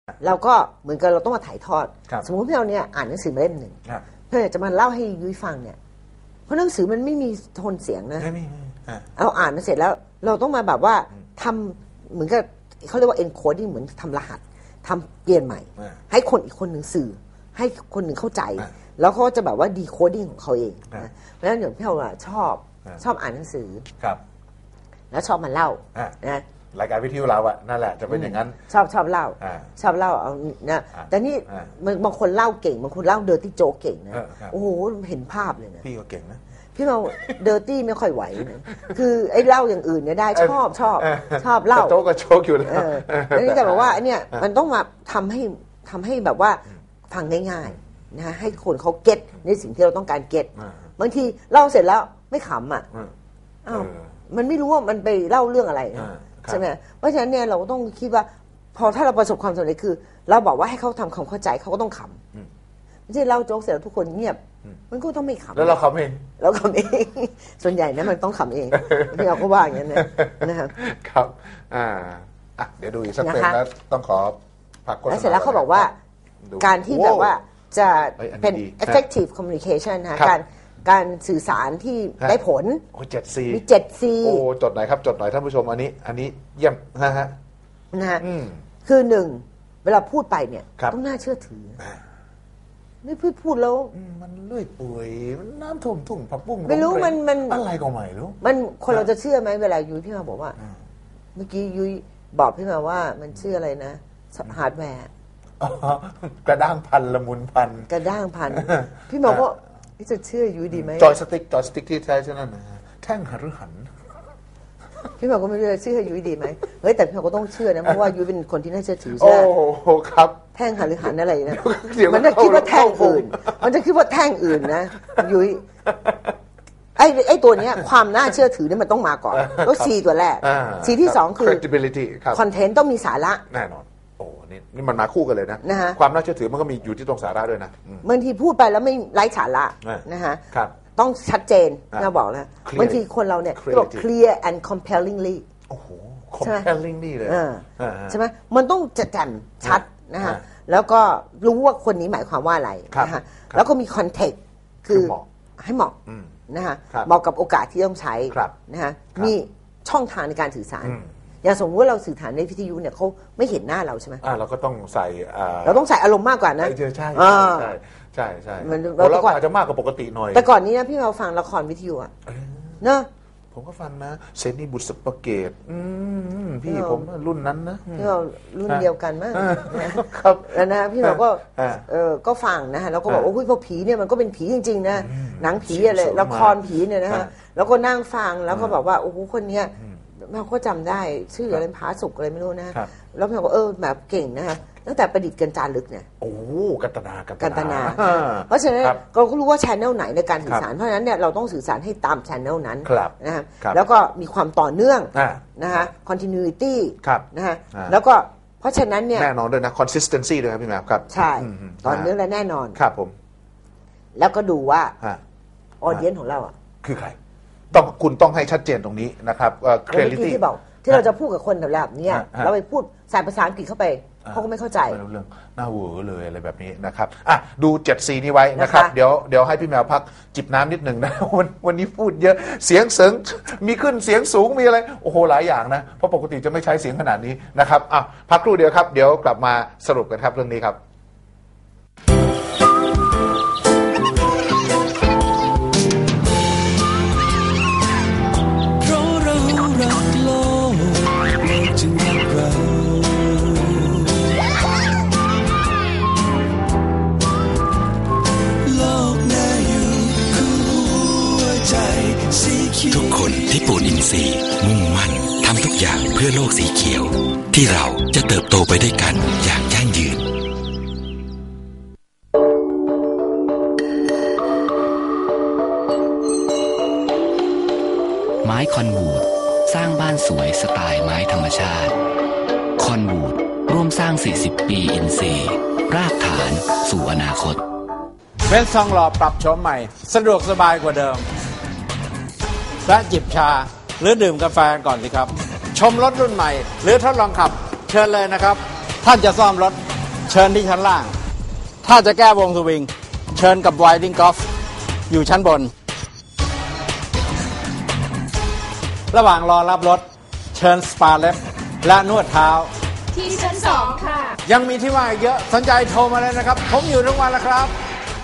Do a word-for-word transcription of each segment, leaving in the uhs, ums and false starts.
เราก็เหมือนกับเราต้องมาถ่ายทอดสมมติพี่เราเนี่ยอ่านหนังสือมาเล่มหนึ่งเพื่อจะมาเล่าให้ยุ้ยฟังเนี่ยเพราะหนังสือมันไม่มีโทนเสียงนะเราอ่านมาเสร็จแล้วเราต้องมาแบบว่าทำเหมือนกับเขาเรียกว่า encoding เหมือนทำรหัสทำเปลี่ยนใหม่ให้คนอีกคนหนึ่งสื่อให้คนหนึ่งเข้าใจแล้วเขาจะแบบว่า decoding ของเขาเองนะเพราะฉะนั้นอย่างพี่เราชอบชอบอ่านหนังสือแล้วชอบมาเล่านะรายการวิทยุเราอะนั่นแหละจะเป็นอย่างนั้นชอบชอบเล่าชอบเล่าเอานะแต่นี่บางคนเล่าเก่งบางคนเล่าเดอร์ตี้โจ๊กเก่งนะโอ้โหเห็นภาพเลยนะพี่ก็เก่งนะพี่เราเดอร์ตี้ไม่ค่อยไหวนะคือไอ้เล่าอย่างอื่นเนี่ยได้ชอบชอบชอบเล่าโจ๊กก็โจ๊กอยู่แล้วแล้วนี่แต่แบบว่าเนี่ยมันต้องมาทำให้ทำให้แบบว่าฟังง่ายๆนะให้คนเขาเก็ตในสิ่งที่เราต้องการเก็ตบางทีเล่าเสร็จแล้วไม่ขำอ่ะอ้าวมันไม่รู้ว่ามันไปเล่าเรื่องอะไรใช่ไหมเพราะฉะนั้นเนี่ยเราต้องคิดว่าพอถ้าเราประสบความสำเร็จคือเราบอกว่าให้เขาทำความเข้าใจเขาก็ต้องขำไม่ใช่เล่าโจ๊กเสร็จแล้วทุกคนเงียบมันก็ต้องไม่ขำแล้วเราขำเองเราขำเองส่วนใหญ่นะมันต้องขำเองที่เราก็ว่าอย่างนั้นนะครับครับอ่าอ่ะเดี๋ยวดูอีกสักเพลงแล้วต้องขอพักโฆษณาแล้วเสร็จแล้วเขาบอกว่าการที่แบบว่าจะเป็น effective communication นะการการสื่อสารที่ได้ผลโอ้เจ็ดซีมีเจ็ดซีโอ้จดหน่อยครับจดหน่อยท่านผู้ชมอันนี้อันนี้เยี่ยมนะฮะนะฮะคือหนึ่งเวลาพูดไปเนี่ยต้องน่าเชื่อถือไม่พูดพูดแล้วมันเลื่อยเปื่อยมันน้ำท่วมทุ่งผักบุ้งไม่รู้มันมันอะไรก็ไม่รู้มันคนเราจะเชื่อไหมเวลายุ้ยพี่มาบอกว่าเมื่อกี้ยุ้ยบอกพี่มาว่ามันชื่ออะไรนะฮาร์ดแวร์กระด้างพันละมุนพันกระด้างพันพี่มาก็นี่จะเชื่อยุ้ยดีไหมจอยสติ๊กจอยสติ๊กที่ใช้ใช่ไหมแท่งหันหรือหันพี่หมอก็ไม่รู้จะเชื่อยุ้ยดีไหมเฮ้ยแต่พี่หมอก็ต้องเชื่อนะเพราะว่ายุ้ยเป็นคนที่น่าเชื่อถือใช่ไหมโอ้โหครับแท่งหันหรือหันอะไรนะมันจะคิดว่าแท่งอื่นมันจะคิดว่าแท่งอื่นนะยุ้ยไอ้ไอ้ตัวเนี้ยความน่าเชื่อถือนี่มันต้องมาก่อนแล้วซีตัวแรกซีที่สองคือ credibility คอนเทนต์ต้องมีสาระแน่นอนโอ้นี่นี่มันมาคู่กันเลยนะความน่าเชื่อถือมันก็มีอยู่ที่ตรงสาระด้วยนะบางทีพูดไปแล้วไม่ไร้สาระนะฮะต้องชัดเจนเราบอกแล้วบางทีคนเราเนี่ยบอก clear and compellingly โอ้โห compellingly เลยใช่ไหมมันต้องจะแจ่มชัดนะฮะแล้วก็รู้ว่าคนนี้หมายความว่าอะไรนะฮะแล้วก็มี context คือให้เหมาะนะฮะเหมาะกับโอกาสที่ต้องใช้นะฮะมีช่องทางในการสื่อสารอย่างสมมติว่าเราสื่อสารในวิทยุเนี่ยเขาไม่เห็นหน้าเราใช่ไหมเราก็ต้องใส่เราต้องใส่อารมณ์มากกว่านะใช่ใช่ใช่ใช่ใช่เราอาจจะมากกว่าปกติหน่อยแต่ก่อนนี้นะพี่เราฟังละครวิทยุอะเนอะผมก็ฟังนะเซนีบุตรสปเกตพี่ผมรุ่นนั้นนะพี่เรารุ่นเดียวกันมั้งครับแล้วนะพี่เราก็เออก็ฟังนะฮะแล้วก็บอกว่าพวกผีเนี่ยมันก็เป็นผีจริงๆนะหนังผีอะไรละครผีเนี่ยนะฮะแล้วก็นั่งฟังแล้วก็บอกว่าโอ้โหคนเนี้ยเราก็จำได้ชื่ออะไรผาสุกอะไรไม่รู้นะแล้วพี่ก็เออแบบเก่งนะฮะตั้งแต่ประดิษฐ์กันจารึกเนี่ยโอ้กันตนากันตนาเพราะฉะนั้นเราก็รู้ว่า channel ไหนในการสื่อสารเพราะฉะนั้นเนี่ยเราต้องสื่อสารให้ตาม channel นั้นนะฮะแล้วก็มีความต่อเนื่องนะฮะ continuity นะฮะแล้วก็เพราะฉะนั้นเนี่ยแน่นอนด้วยนะ consistency ด้วยครับพี่แมวครับใช่ต่อเนื่องและแน่นอนครับผมแล้วก็ดูว่า audience ของเราอ่ะคือใครต้องคุณต้องให้ชัดเจนตรงนี้นะครับ clarity ที่บอกที่เราจะพูดกับคนแบบนี้เราไปพูดใส่ภาษาอังกฤษเข้าไปเขาก็ไม่เข้าใจไม่รู้เรื่องหน้าเวอร์เลยอะไรแบบนี้นะครับอ่ะดู เจ็ดซี นี้ไว้นะครับเดี๋ยวเดี๋ยวให้พี่แมวพักจิบน้ำนิดหนึ่งนะวันวันนี้พูดเยอะเสียงเสริงมีขึ้นเสียงสูงมีอะไรโอ้โหหลายอย่างนะเพราะปกติจะไม่ใช้เสียงขนาดนี้นะครับอ่ะพักครู่เดียวครับเดี๋ยวกลับมาสรุปกันครับเรื่องนี้ครับทุกคนที่ปูนอินทรีย์มุ่งมั่นทำทุกอย่างเพื่อโลกสีเขียวที่เราจะเติบโตไปด้วยกันอย่างยั่งยืนไม้คอนวูดสร้างบ้านสวยสไตล์ไม้ธรรมชาติคอนวูดร่วมสร้างสี่สิบปีอินทรีย์รากฐานสู่อนาคตเฟสทองหล่อปรับโฉมใหม่สะดวกสบายกว่าเดิมและจิบชาหรือดื่มกาแฟก่อนสิครับชมรถรุ่นใหม่หรือทดลองขับเชิญเลยนะครับท่านจะซ่อมรถเชิญที่ชั้นล่าง ถ้าจะแก้วงสวิงเชิญกับไวดิ้งกอล์ฟอยู่ชั้นบน ระหว่างรอรับรถเชิญสปาเล็บและนวดเท้าที่ชั้นสองค่ะยังมีที่ว่างอีกเยอะสนใจโทรมาเลยนะครับผมอยู่ทุกวันแล้วครับ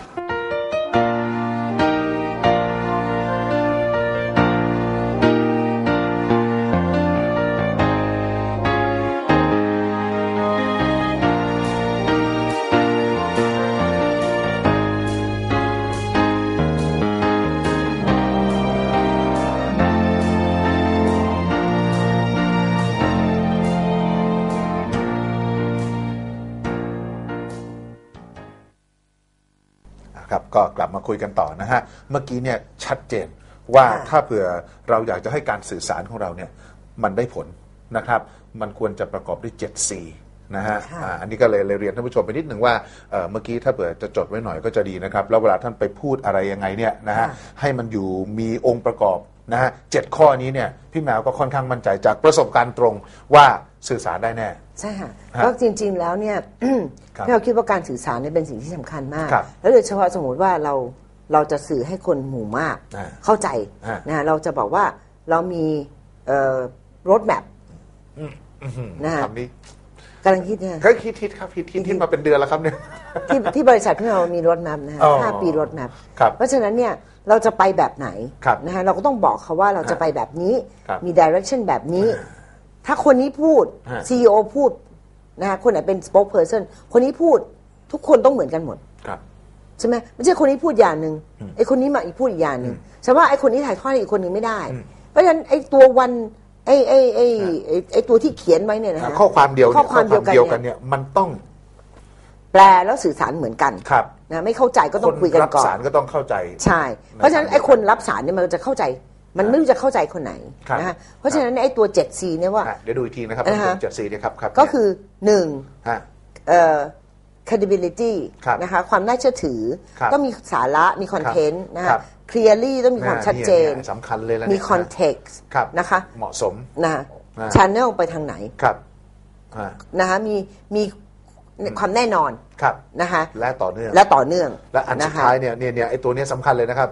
ก็กลับมาคุยกันต่อนะฮะเมื่อกี้เนี่ยชัดเจนว่าถ้าเผื่อเราอยากจะให้การสื่อสารของเราเนี่ยมันได้ผลนะครับมันควรจะประกอบด้วย เจ็ด ซี นะฮะ อันนี้ก็เลยเรียนท่านผู้ชมไปนิดหนึ่งว่าเมื่อกี้ถ้าเผื่อจะจดไว้หน่อยก็จะดีนะครับแล้วเวลาท่านไปพูดอะไรยังไงเนี่ยนะฮะให้มันอยู่มีองค์ประกอบนะฮะเจ็ดข้อนี้เนี่ยพี่แมวก็ค่อนข้างมั่นใจจากประสบการณ์ตรงว่าสื่อสารได้แน่ใช่ค่ะก็จริงๆแล้วเนี่ยพี่เราคิดว่าการสื่อสารเนี่ยเป็นสิ่งที่สำคัญมากแล้วโดยเฉพาะสมมติว่าเราเราจะสื่อให้คนหมู่มากเข้าใจนะเราจะบอกว่าเรามีรถแมพนะฮะกำลังคิดเนี่ยก็คิดคิดครับคิดคิดคิดมาเป็นเดือนแล้วครับเนี่ยที่ที่บริษัทที่เรามีรถแมพนะฮะห้าปีรถแมพเพราะฉะนั้นเนี่ยเราจะไปแบบไหนนะฮะเราก็ต้องบอกเขาว่าเราจะไปแบบนี้มี direction แบบนี้ถ้าคนนี้พูด ซี อี โอ พูดนะฮะคนไหนเป็น spokesperson คนนี้พูดทุกคนต้องเหมือนกันหมดใช่ไหมไม่ใช่คนนี้พูดอย่างหนึ่งไอ้คนนี้มาอีกพูดอีกอย่างหนึ่งใช่ว่าไอ้คนนี้ถ่ายทอดอีกคนหนึ่งไม่ได้เพราะฉะนั้นไอ้ตัววันไอ้ไอ้ไอ้ไอ้ตัวที่เขียนไว้เนี่ยนะฮะข้อความเดียวข้อความเดียวกันเนี่ยมันต้องแปลแล้วสื่อสารเหมือนกันนะไม่เข้าใจก็ต้องคุยกันก่อนรับสารก็ต้องเข้าใจใช่เพราะฉะนั้นไอ้คนรับสารเนี่ยมันจะเข้าใจมันไม่รู้จะเข้าใจคนไหนนะฮะเพราะฉะนั้นไอ้ตัว เจ็ด ซี เนี่ยว่าเดี๋ยวดูอีกทีนะครับ เจ็ด ซี เนี่ยครับก็คือหนึ่งเอ่อ credibility นะคะความน่าเชื่อถือต้องมีสาระมีคอนเทนต์นะฮะ clearly ต้องมีความชัดเจนสำคัญเลยมี context นะคะเหมาะสมนะ channel ไปทางไหนนะคะมีมีความแน่นอนนะคะและต่อเนื่องและต่อเนื่องและอันสุดท้ายเนี่ยเนี่ยไอ้ตัวนี้สำคัญเลยนะครับ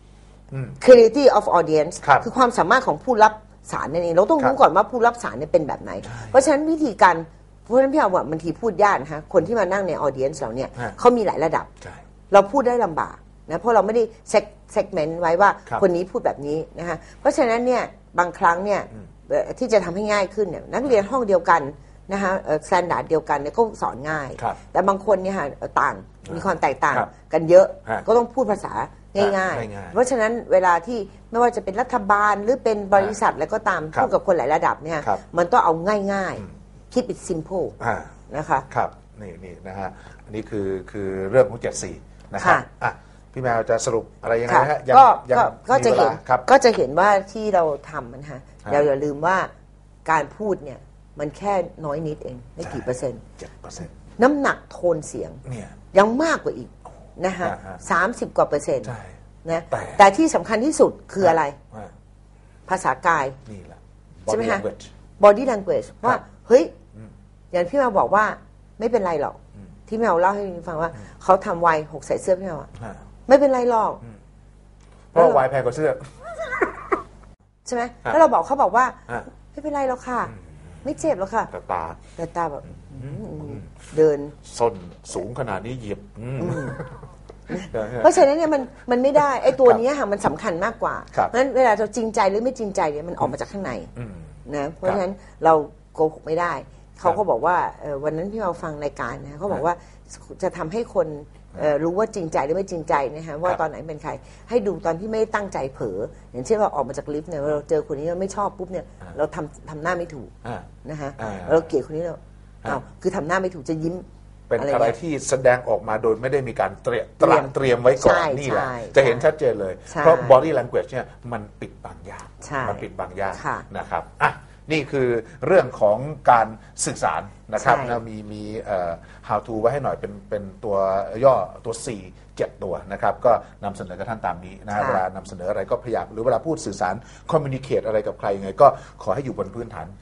Clarity of audience คือความสามารถของผู้รับสารนั่นเองเราต้องรู้ก่อนว่าผู้รับสารเนี่ยเป็นแบบไหนเพราะฉะนั้นวิธีการเพราะฉะนั้นพี่เอาว่าบางทีพูดยากนะคะคนที่มานั่งใน audience เราเนี่ยเขามีหลายระดับเราพูดได้ลำบากนะเพราะเราไม่ได้ segment ไว้ว่าคนนี้พูดแบบนี้นะคะเพราะฉะนั้นเนี่ยบางครั้งเนี่ยที่จะทำให้ง่ายขึ้นเนี่ยนักเรียนห้องเดียวกันนะคะสแตนดาร์ดเดียวกันเนี่ยก็สอนง่ายแต่บางคนเนี่ยต่างมีความแตกต่างกันเยอะก็ต้องพูดภาษาง่ายๆเพราะฉะนั้นเวลาที่ไม่ว่าจะเป็นรัฐบาลหรือเป็นบริษัทแล้วก็ตามพูดกับคนหลายระดับเนี่ยมันต้องเอาง่ายๆ keep it simple นะคะครับนี่นี่นะฮะอันนี้คือคือเรื่องของ เจ็ด ซี นะครับอ่ะพี่แมวจะสรุปอะไรยังไงฮะก็ก็จะเห็นก็จะเห็นว่าที่เราทำนะฮะเราอย่าลืมว่าการพูดเนี่ยมันแค่น้อยนิดเองไม่กี่เปอร์เซ็นต์เจ็ดเปอร์เซ็นต์น้ำหนักโทนเสียงยังมากกว่าอีกนะฮะสามสิบกว่าเปอร์เซ็นต์นะแต่ที่สำคัญที่สุดคืออะไรภาษากายใช่ไหมฮะ body language ว่าเฮ้ยอย่างพี่แมวบอกว่าไม่เป็นไรหรอกที่แมวเล่าให้ฟังว่าเขาทำไวหกใส่เสื้อพี่แมวไม่เป็นไรหรอกเพราะไวแพงกว่าเสื้อใช่ไหมแล้วเราบอกเขาบอกว่าไม่เป็นไรหรอกค่ะไม่เจ็บหรอกค่ะแต่ตาแต่ตาแบบเดินส้นสูงขนาดนี้เหยียบเพราะฉะนั้นเนี่ยมันมันไม่ได้ไอ้ตัวนี้ค่ะมันสำคัญมากกว่าเพราะฉะนั้นเวลาเราจริงใจหรือไม่จริงใจเนี่ยมันออกมาจากข้างในนะเพราะฉะนั้นเราโกหกไม่ได้เขาก็บอกว่าวันนั้นที่เราฟังรายการนะเขาบอกว่าจะทำให้คนรู้ว่าจริงใจหรือไม่จริงใจนะฮะว่าตอนไหนเป็นใครให้ดูตอนที่ไม่ตั้งใจเผลออย่างเช่นเราออกมาจากลิฟต์เนี่ยเราเจอคนนี้เราไม่ชอบปุ๊บเนี่ยเราทำทำหน้าไม่ถูกนะฮะเราเกลียดคนนี้เราอ้าวคือทำหน้าไม่ถูกจะยิ้มเป็นอะไรที่แสดงออกมาโดยไม่ได้มีการเตรียมตระเตรียมไว้ก่อนนี่แหละจะเห็นชัดเจนเลยเพราะ body language เนี่ยมันปิดบางอย่างมันปิดบางอย่างนะครับอ่ะนี่คือเรื่องของการสื่อสารนะครับนะมีมี how to ไว้ให้หน่อยเป็นเป็นตัวย่อตัว สี่ เจ็ด ตัวนะครับก็นำเสนอกับท่านตามนี้นะเวลานำเสนออะไรก็พยายามหรือเวลาพูดสื่อสาร communicate อะไรกับใครยังไงก็ขอให้อยู่บนพื้นฐาน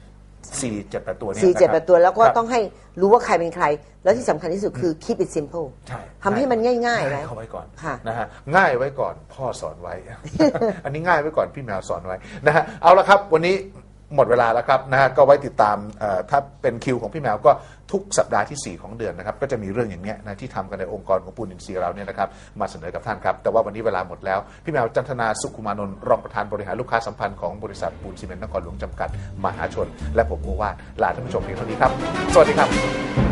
สี่เจ็ดแปดตัวนี้สี่เจ็ดแปดตัวแล้วก็ครับต้องให้รู้ว่าใครเป็นใคร แล้วที่สำคัญที่สุดคือ keep it simple ใช่ทำให้มันง่ายๆง่าไว้ยเข้าไว้ก่อนค่ะนะฮะง่ายไว้ก่อนพ่อสอนไว้ อันนี้ง่ายไว้ก่อนพี่แมวสอนไว้นะฮะเอาละครับวันนี้หมดเวลาแล้วครับนะฮะก็ไว้ติดตามเอ่อถ้าเป็นคิวของพี่แมวก็ทุกสัปดาห์ที่สี่ของเดือนนะครับก็จะมีเรื่องอย่างเนี้ยนะที่ทำกันในองค์กรของปูนอินทรีย์เราเนี่ยนะครับมาเสนอกับท่านครับแต่ว่าวันนี้เวลาหมดแล้วพี่แมวจันทนาสุขุมานนท์รองประธานบริหารลูกค้าสัมพันธ์ของบริษัทปูนซีเมนต์นครหลวงจำกัดมหาชนและผมโอวาทลาท่านผู้ชมเพียงเท่านี้ครับสวัสดีครับ